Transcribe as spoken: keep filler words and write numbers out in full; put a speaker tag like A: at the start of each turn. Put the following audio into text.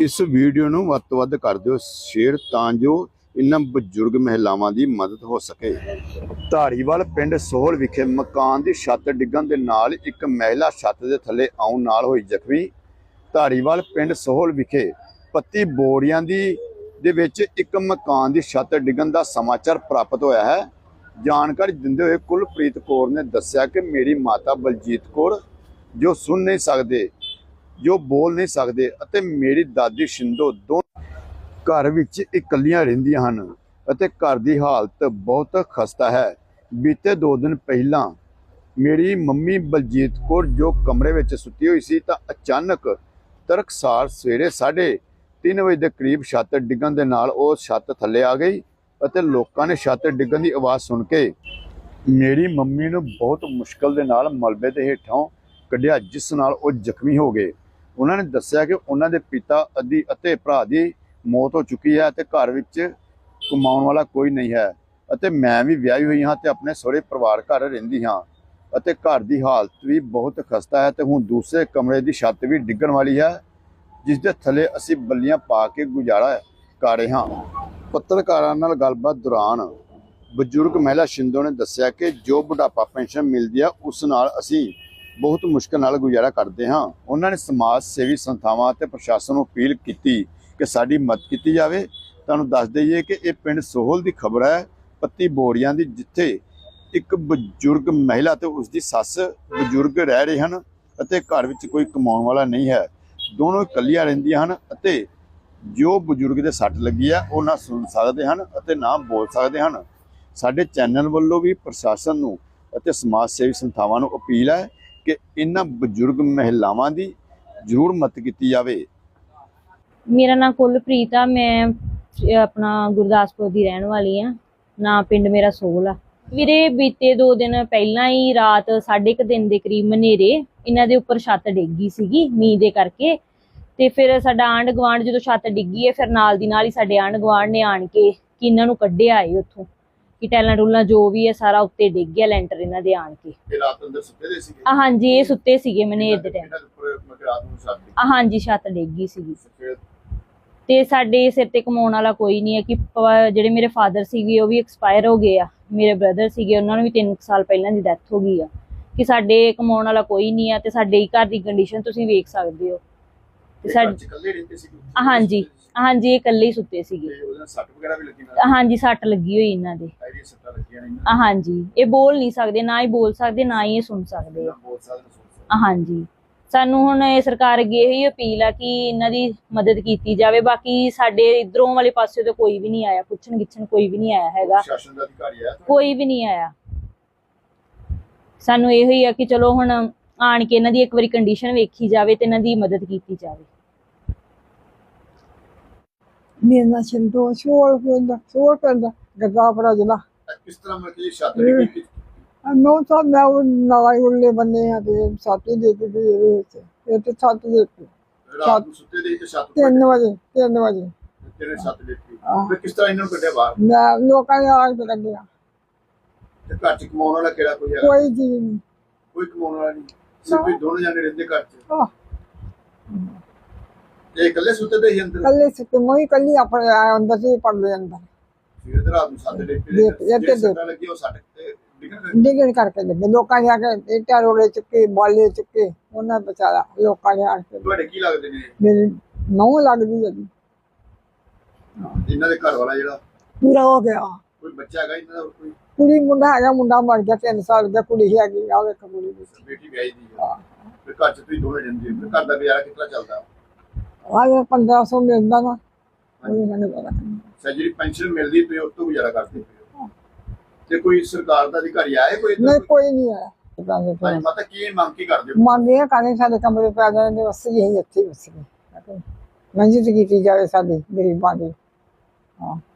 A: इस वीडियो ਨੂੰ ਵੱਧ ਤੋਂ ਵੱਧ ਕਰ ਦਿਓ ਸ਼ੇਅਰ ਤਾਂ ਜੋ इन्हां बजुर्ग महिलावां दी मदद हो सके। धारीवाल पिंड सोहल विखे मकान की छत डिगन दे नाल एक महिला छत के थले आउण नाल होई जख्मी। धारीवाल पिंड सोहल विखे पत्ती बोरियां दी दे विच एक मकान की छत डिगन का समाचार प्राप्त होया है। जानकारी दिंदे हुए कुलप्रीत कौर ने दस्सिया कि मेरी माता बलजीत कौर जो सुन नहीं सकते, जो बोल नहीं सकते, अते मेरी दादी शिंदो दो घर विच इकल्लियां रहिंदियां हन अते घर दी हालत बहुत खस्ता है। बीते दो दिन पहला मेरी मम्मी बलजीत कौर जो कमरे विच सुती हुई सी तां अचानक तड़कसार सवेरे साढ़े तीन बजे के करीब छत डिगन दे नाल ओह छत थल्ले आ गई अते लोकां ने छत डिगन की आवाज़ सुन के मेरी मम्मी नूं बहुत मुश्किल दे नाल मलबे दे हेठों कढ़िया, जिस नाल ओह जख्मी हो गए। उन्होंने दस्सिया कि उन्हां दे पिता अदी अते भरा दी मौत हो चुकी है ते घर विच कमाउण वाला कोई नहीं है अते मैं भी विआही हुई हाँ ते अपने सहुरे परिवार घर रहिंदी हाँ अते घर की हालत भी बहुत खस्ता है ते हुण दूसरे कमरे की छत भी डिगण वाली है, जिस दे थले असीं बल्लियां पा के गुजारा कर रहे हाँ। पत्रकारां नाल गलबात दौरान बजुर्ग महिला शिंदो ने दस्सिया कि जो बुढ़ापा पेंशन मिलती है उस नाल असीं बहुत मुश्किल नाल गुजारा करते हाँ। उन्होंने समाज सेवी संस्थावां ते प्रशासन नूं अपील की कि साडी मदद की जाए। तुहानूं दस दईए कि यह पिंड सोहल की खबर है, पत्ती बोरियां दी, जिथे एक बजुर्ग महिला ते उसकी सस बजुर्ग रह रहे हैं अते घर विच कोई कमाउण वाला नहीं है। दोनों इकल्लियां रहिंदियां हन अते जो बजुर्ग दे सट लगी है वो ना सुन सकते हैं अते ना बोल सकते हैं। साडे चैनल वालों भी प्रशासन नूं अते समाज सेवी संस्थावां नूं अपील है कि इन्हां बजुर्ग महिलावां दी जरूर मदद की जाए।
B: मेरा नाम कुलप्रीत आ, मैं अपना गुरदासपुर की रहने वाली हाँ। ना पिंड मेरा सोहल आ। वीरे बीते दो दिन पहला ही रात साढ़े क दिन के करीब मनेरे इन्हां दे उपर छत डिग गई सीगी मींह दे करके। ते फिर साडा आंढ गुआंढ जो छत डिग्गी है फिर नाल दी नाल ही साडे आंढ गुआंढ ने आण के कि इन्हां नूं कड्ढिया है उत्थों कि टैलां टूलां जो भी है सारा उत्ते डिग गया लैंटर इन्हां दे आण के।
A: रात अंदर सुत्ते दे सीगे?
B: हाँ जी, ये सुत्ते सीगे मनेर दे टाइम। हाँ जी, छत डिग गई सीगी ते साडे सिर ते कमाउण वाला कोई नहीं है कि जिहड़े मेरे फादर सीगे वो भी एक्सपायर हो गए आ, मेरे ब्रदर सीगे उन्हां नूं भी तीन साल पहलां दी डैथ हो गई आ कि साडे कमाउण वाला कोई नहीं है ते साडे घर दी कंडीशन तुसीं वेख सकदे हो। ते साडे इकल्ले रहिंदे सीगे? हाँ जी, हाँ जी, इकल्ले ही सुत्ते सीगे। ते ओहदा सट वगैरह भी लगी ना? हाँ जी, सट लगी होई इन्हां दे। सारी सट्टां लगियां ने? हाँ जी, ये बोल नहीं सकदे, ना ही बोल सकदे ना ही ये सुन सकदे। हाँ जी, सानू हुण सरकार अगे यही अपील है कि इन्हां दी मदद की जाए। बाकी साडे इधरों वाले पासे तो कोई भी नहीं आया, पुछण गिछण कोई भी नहीं आया हैगा, कोई भी नहीं आया। सानू यही है कि चलो हुण आण के इन्हां दी एक बारी कंडीशन वेखी जाए ते इन्हां दी मदद की जाए।
C: मेरा नाम शिंदो सोहल पिंड सोहल पिंड गुरदासपुर जिला।
A: किस तरह मतलब छत डिगी?
C: नौ तो मैं नाल उल्ले बन्ने हैं ते छत डिग गई ਇਹਦੇ ਵਿੱਚ ਇਹ ਤੇ ਛੱਤ ਦੇ
A: रात ਨੂੰ ਸੁੱਤੇ ਦੇ ਤੇ ਛੱਤ
C: तीन बजे तीन बजे
A: ਤੇਰੇ ਛੱਤ ਡਿੱਗੀ। ਫਿਰ ਕਿਸ ਤਰ੍ਹਾਂ ਇਹਨਾਂ ਨੂੰ ਕੱਢਿਆ ਬਾਹਰ?
C: मैं लोकां ने आग ते ਕੱਢਿਆ।
A: ਤੇ ਘਰ ਚ ਕਮਾਉਣ ਵਾਲਾ ਕਿਹੜਾ ਕੋਈ ਹੈਗਾ?
C: कोई चीज नहीं,
A: ਕੋਈ ਕਮਾਉਣ ਵਾਲਾ ਨਹੀਂ, ਸਿਰਫ ਇਹ ਦੋਨੋਂ ਜਾਨੇ ਰਹਿੰਦੇ ਘਰ ਚ।
C: ਆਹ
A: ਇਹ ਇਕੱਲੇ ਸੁੱਤੇ ਦੇ ਹੀ ਅੰਦਰ?
C: ਕੱਲੇ ਸੁੱਤੇ ਮੈਂ ਕੱਲੀ ਆਪਣੇ ਅੰਦਰ ਸੀ ਪੜਦੇ ਅੰਦਰ।
A: ਫਿਰ ਰਾਤ ਨੂੰ ਛੱਤ ਡਿੱਗੀ ਤੇ ਜੇ ਸੱਟ ਲੱਗੀ ਉਹ ਸੱਟ ਤੇ
C: डिगण करके लगे लोकां ने आके इटा रोड़े चुके बाले चुके उन्हें बचाया लोकां ने आके।
A: ਤੁਹਾਡੇ ਕੀ ਲੱਗਦੇ ਨੇ?
C: मेरी नौ लगदी है
A: ਇਹਨਾਂ ਦੇ ਘਰ ਵਾਲਾ ਜਿਹੜਾ
C: पूरा हो गया।
A: ਕੋਈ ਬੱਚਾ ਹੈਗਾ ਇਹਨਾਂ ਦਾ? ਕੋਈ
C: कुड़ी मुंडा है, मुंडा मर गया तीन साल का, कुड़ी है की आ वे कुड़ी दी
A: ਬੇਟੀ ਵਿਆਹੀ ਦੀ ਹੈ। ਫਿਰ ਘਰ ਚ ਤੁਸੀਂ ਦੋਵੇਂ ਰਹਿੰਦੇ ਹੋ, ਫਿਰ ਘਰ ਦਾ ਗੁਜ਼ਾਰਾ ਕਿਸ ਤਰ੍ਹਾਂ ਚੱਲਦਾ?
C: आ पंद्रह सौ मिलता ना
A: ਜਿਹੜੀ ਪੈਨਸ਼ਨ ਮਿਲਦੀ ਤੁਸੀਂ ਉਸ ਤੋਂ ਗੁਜ਼ਾਰਾ ਕਰਦੇ ਹੋ? ਤੇ ਕੋਈ ਸਰਕਾਰ ਦਾ ਅਧਿਕਾਰੀ ਆਏ ਕੋਈ?
C: नहीं कोई नहीं है।
A: ਹਾਂਜੀ ਮਾਤਾ ਕੀ ਮੰਗ ਕੀ ਕਰਦੇ ਹੋ?
C: मांगे कहने साडे कमरे पै जाने बस यही अच्छी बस मंजी की जाए साडी गरीबां दी। हाँ